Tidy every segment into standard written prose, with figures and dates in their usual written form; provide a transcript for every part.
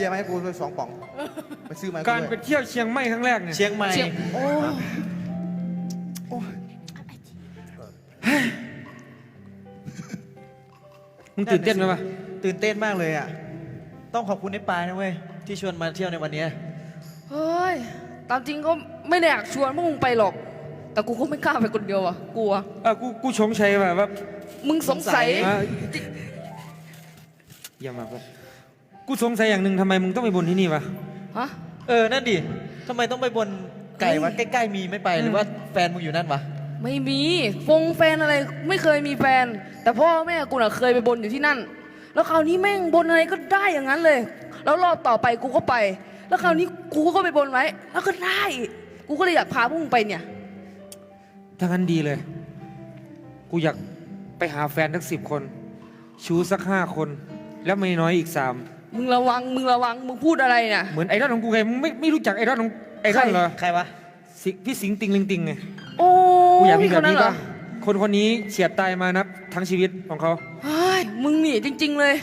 เบียร์มาให้กูด้วย2 ป๋องไปซื้อมาให้การไปเที่ยวเชียงใหม่ครั้งแรกเนี่ยเชียงใหม่โอ้มึงตื่นเต้นไหมวะตื่นเต้นมากเลยอ่ะต้องขอบคุณไอ้ปายนะเว้ยที่ชวนมาเที่ยวในวันนี้เฮ้ยตามจริงก็ไม่ได้อยากชวนพวกมึงไปหรอก แต่กูก็ไม่กล้าไปคนเดียวอ่ะกลัวกูชงชัยแบบว่ามึงสงสัยอย่ามาแบบกูสงสัยอย่างหนึ่งทำไมมึงต้องไปบนที่นี่วะฮะนั่นดิทำไมต้องไปบนไก่วะใกล้ๆมีไม่ไปหรือว่าแฟนมึงอยู่นั่นวะไม่มีแฟนอะไรไม่เคยมีแฟน แต่พ่อแม่กูน่ะเคยไปบนอยู่ที่นั่น แล้วคราวนี้แม่งบนอะไรก็ได้อย่างนั้นเลย แล้วรอบต่อไปกูก็ไป แล้วคราวนี้กูก็ไปบนไว้ แล้วก็ได้ กูก็เลยอยากพาพวกมึงไปเนี่ยถ้างั้นดีเลย กูอยากไปหาแฟนทั้ง10 คน ชูสัก5 คน แล้วไม่น้อยอีก3 มึงระวังมึงพูดอะไรเนี่ยเหมือนไอดอลของกูไงมึงไม่รู้จักไอดอลของไอดอลเหรอใครวะพี่สิงห์ติงลิงติงไงโอ้กูอยากมีแบบคนี้เหรบ้างคนนี้เฉียดตายมานับทั้งชีวิตของเขาเฮ้ยมึงหนีจริง ๆเลย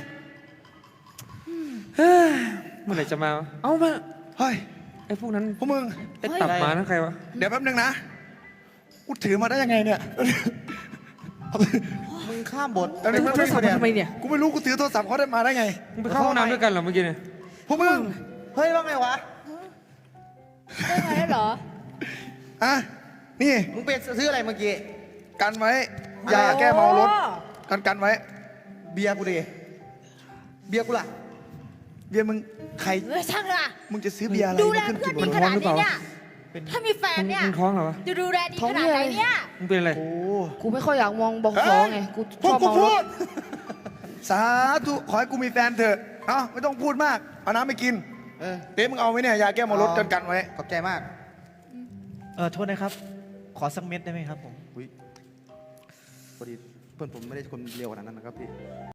เมื่อไหร่จะมาเอามาเฮ้ยไอ้พวกนั้นพวกมึงไอ้ตับหมานั่นใครวะเดี๋ยวแป๊บนึงนะกูถือมาได้ยังไงเนี่ยมึงข้ามบทแป๊บนึงมึงโทรศัพท์มาทำไมเนี่ยกูไม่รู้กูถือโทรศัพท์เขาได้มาได้ไงมึงไปเข้าห้องน้ำด้วยกันเหรอเมื่อกี้เนี่ยพวกมึงเฮ้ยว่าไงวะได้ไหมเหรออ่ะนี่มึงไปซื้ออะไรเมื่อกี้กันไว้ยาแก้เมารถกันไว้เบียร์กูดิเบียร์กูล่ะเบียร์มึงใครเออช่างละมึงจะซื้อเบียร์อะไรดูแลมาขึ้นเพื่กิอนนดีวะขนาดนี้เนี่ย ถ้ามีแฟนเนี่ยมึงท้องเหรอวะจะดูแลดีขนาดไหนเนี่ยมึงเป็นอะไรโอ้กูไม่ค่อยอยากมองบอกฟ้อไง กูพชวกอบกูมองพูรดถสาธุขอให้กูมีแฟนเถอะเอ้าไม่ต้องพูดมากเอาน้ำไปกินเป๊ะมึงเอาไหมเนี่ยยาแก้เมารถกันไว้ขอบใจมากโทษนะครับ ขอสักเม็ดได้ไหมครับผมพอดีเพื่อนผมไม่ได้คนเร็วขนาดนั้นนะครับพี่